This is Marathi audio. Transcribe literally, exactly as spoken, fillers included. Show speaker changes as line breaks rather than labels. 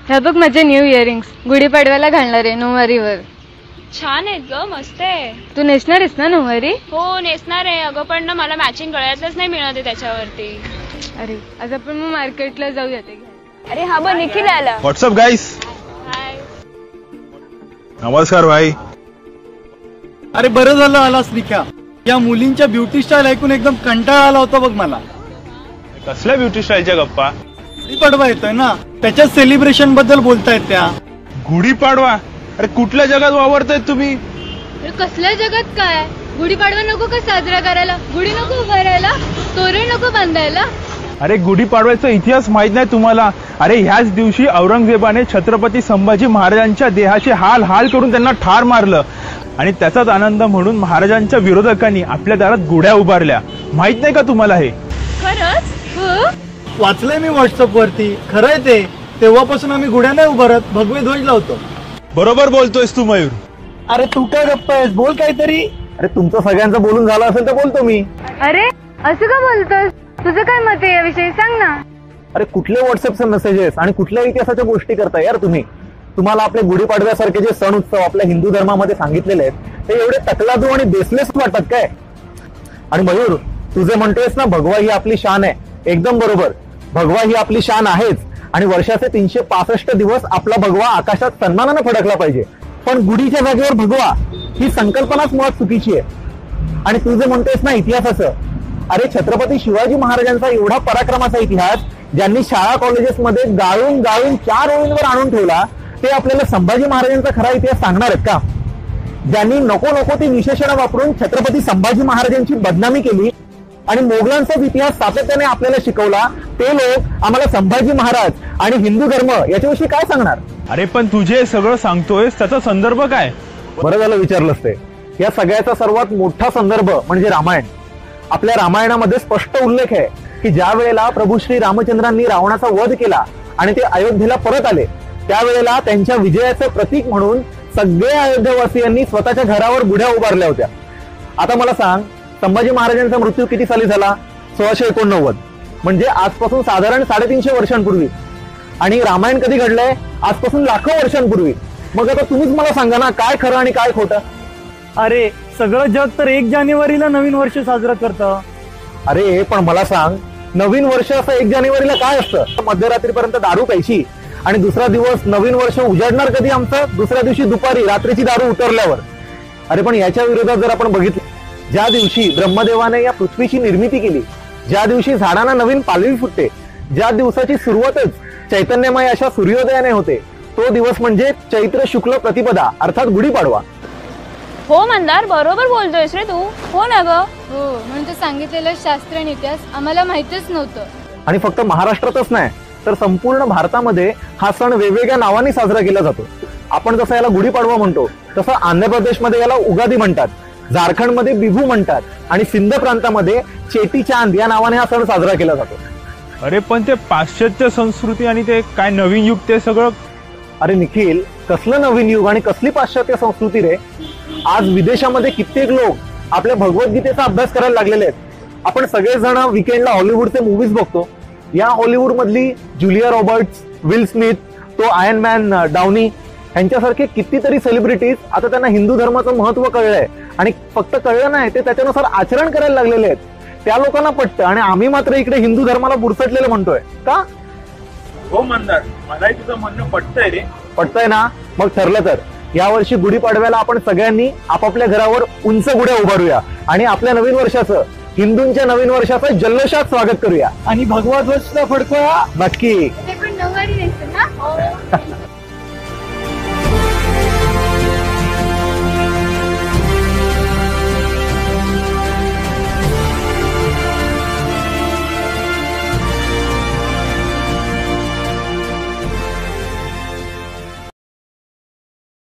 ह्या बघ माझे न्यू इयरिंग्स गुढीपाडव्याला घालणार आहे नऊवारीवर.
छान आहेत ग, मस्त आहे.
तू नेसणार आहेस ना नऊवारी?
हो नेसणार आहे अगं, पण ना मला मॅचिंग गळ्यातलंच नाही मिळत आहे त्याच्यावरती.
अरे आज आपण मग मार्केटला जाऊया ते.
अरे हा बघ निखिल आला.
What's up guys.
हाय.
नमस्कार भाई.
अरे बरं झालं आलास निख्या. या मुलींच्या ब्युटी स्टाईल ऐकून एकदम कंटाळा आला होता बघ मला.
कसल्या ब्युटी स्टाईलच्या गप्पा?
गुढीपाडवा येतोय ना, त्याच्या सेलिब्रेशन बद्दल बोलतायत त्या.
गुढीपाडवा? अरे कुठल्या जगात वावरतायत तुम्ही?
कसल्या जगात काय? गुढीपाडवा नको का साजरा करायला? गुढी नको उभारायला? तोरण नको बांधायला?
अरे गुढीपाडव्याचा इतिहास माहित नाही तुम्हाला? अरे ह्याच दिवशी औरंगजेबाने छत्रपती संभाजी महाराजांच्या देहाचे हाल हाल करून त्यांना ठार मारलं आणि त्याचाच आनंद म्हणून महाराजांच्या विरोधकांनी आपल्या दारात गुढ्या उभारल्या. माहित नाही का तुम्हाला हे?
खरंच?
हो
वाचलंय मी व्हॉट्सअप वरती. खरंय ते. तेव्हापासून आम्ही गुढ्या नाही उभारत, भगवे ध्वज लावतो.
बरोबर बोलतोयस तू मयूर.
अरे तू काय गप्पा आहेस, बोल काहीतरी.
अरे तुमचं सगळ्यांचं बोलून झालं असेल तर बोलतो मी.
अरे असं का बोलतोस? तुझं काय मत आहे याविषयी सांग ना.
अरे कुठले व्हॉट्सअपचे मेसेजेस आणि कुठल्या इतिहासाच्या गोष्टी करताय यार तुम्ही? तुम्हाला आपले गुढीपाडव्यासारखे जे सण उत्सव आपल्या हिंदू धर्मामध्ये सांगितलेले आहेत ते एवढे तकलादू आणि बेसलेस वाटतात काय? आणि मयूर तू जे म्हणतोयस ना भगवा ही आपली शान आहे, एकदम बरोबर. भगवा ही आपली शान आहेच आणि वर्षाचे तीनशे पासष्ट दिवस आपला भगवा आकाशात सन्मानानं फडकला पाहिजे. पण गुढीच्या जागेवर भगवा ही संकल्पनाच मुळात चुकीची आहे. आणि तू जे म्हणतोयस ना इतिहासाचं, अरे छत्रपती शिवाजी महाराजांचा एवढा पराक्रमाचा इतिहास ज्यांनी शाळा कॉलेजेसमध्ये गाळून गाळून चार ओळींवर आणून ठेवला, ते आपल्याला संभाजी महाराजांचा खरा इतिहास सांगणार आहेत का? ज्यांनी नको नको ती विशेषणं वापरून छत्रपती संभाजी महाराजांची बदनामी केली आणि मोगलांचाच इतिहास सातत्याने आपल्याला शिकवला, ते लोक आम्हाला संभाजी महाराज आणि हिंदू धर्म याच्याविषयी काय सांगणार?
अरे पण तुझे सगळं सांगतोयस त्याचा संदर्भ काय?
बरं झालं विचारलंस ते. या सगळ्याचा सर्वात मोठा संदर्भ म्हणजे रामायण. आपल्या रामायणामध्ये स्पष्ट उल्लेख आहे की ज्या वेळेला प्रभू श्री रामचंद्रांनी रावणाचा वध केला आणि ते अयोध्येला परत आले, त्यावेळेला त्यांच्या विजयाचं प्रतीक म्हणून सगळ्या अयोध्यावासियांनी स्वतःच्या घरावर गुढ्या उभारल्या होत्या. आता मला सांग, संभाजी महाराजांचा मृत्यू किती साली झाला? सोळाशे एकोणनव्वद, म्हणजे आजपासून साधारण साडेतीनशे वर्षांपूर्वी. आणि रामायण कधी घडलंय? आजपासून लाखो वर्षांपूर्वी. मग आता तुम्हीच मला सांगा ना, काय खरं आणि काय खोटं?
अरे सगळं जग तर एक जानेवारीला नवीन वर्ष साजरं करतं.
अरे पण मला सांग, नवीन वर्ष असं एक जानेवारीला काय असतं? मध्यरात्रीपर्यंत दारू प्यायची आणि दुसरा दिवस नवीन वर्ष उजाडणार कधी आमचं? दुसऱ्या दिवशी दुपारी रात्रीची दारू उतरल्यावर. अरे पण याच्या विरोधात जर आपण बघितलं, ज्या दिवशी ब्रह्मदेवाने या पृथ्वीची निर्मिती केली, ज्या दिवशी झाडांना नवीन पालवी फुटते, ज्या दिवसाची सुरुवातच चैतन्यमय अशा सूर्योदयाने होते, तो दिवस म्हणजे चैत्र शुक्ल प्रतिपदा अर्थात गुढीपाडवा.
हो मंदार, बरोबर बोलतोयस रे तू. हो ना ग?
हो, म्हणून तू सांगितलेलं शास्त्र आणि इतिहास आम्हाला माहितच नव्हतं.
आणि फक्त महाराष्ट्रातच नाही तर संपूर्ण भारतामध्ये हा सण वेगवेगळ्या नावाने साजरा केला जातो. आपण जसं याला गुढीपाडवा म्हणतो तसं आंध्र प्रदेशमध्ये याला उगादी म्हणतात, झारखंडमध्ये बिहू म्हणतात आणि सिंध प्रांतामध्ये चेटी चांद या नावाने हा सण साजरा केला जातो.
अरे पण ते पाश्चात्य संस्कृती आणि ते काय नवीन युग ते सगळं.
अरे निखिल, कसलं नवीन युग आणि कसली पाश्चात्य संस्कृती रे? आज विदेशामध्ये कित्येक लोक आपल्या भगवद्गीतेचा अभ्यास करायला लागलेले आहेत. आपण सगळेजण विकेंडला हॉलिवूडचे मूव्हीज बघतो. या हॉलिवूड मधली जुलिया रॉबर्ट्स, विल स्मिथ, तो आयर्न मॅन डाउनी यांच्यासारखे कितीतरी सेलिब्रिटीज आता त्यांना हिंदू धर्माचं महत्व कळलंय आणि फक्त कळलं नाही, ते त्याच्यानुसार आचरण करायला लागलेले आहेत. त्या लोकांना पटतं आणि आम्ही मात्र इकडे हिंदू धर्माला बुरसटलेलं म्हणतोय का?
हो मंदार, मलाही तुझं म्हणणं पटतंय रे.
पटतंय ना? मग ठरलं तर यावर्षी गुढीपाडव्याला आपण सगळ्यांनी आपापल्या घरावर उंच गुढ्या उभारूया आणि आपल्या नवीन वर्षाचं, हिंदूंच्या नवीन वर्षाचं जल्लोषात स्वागत करूया
आणि भगवा ध्वज फडकूया.
नक्की.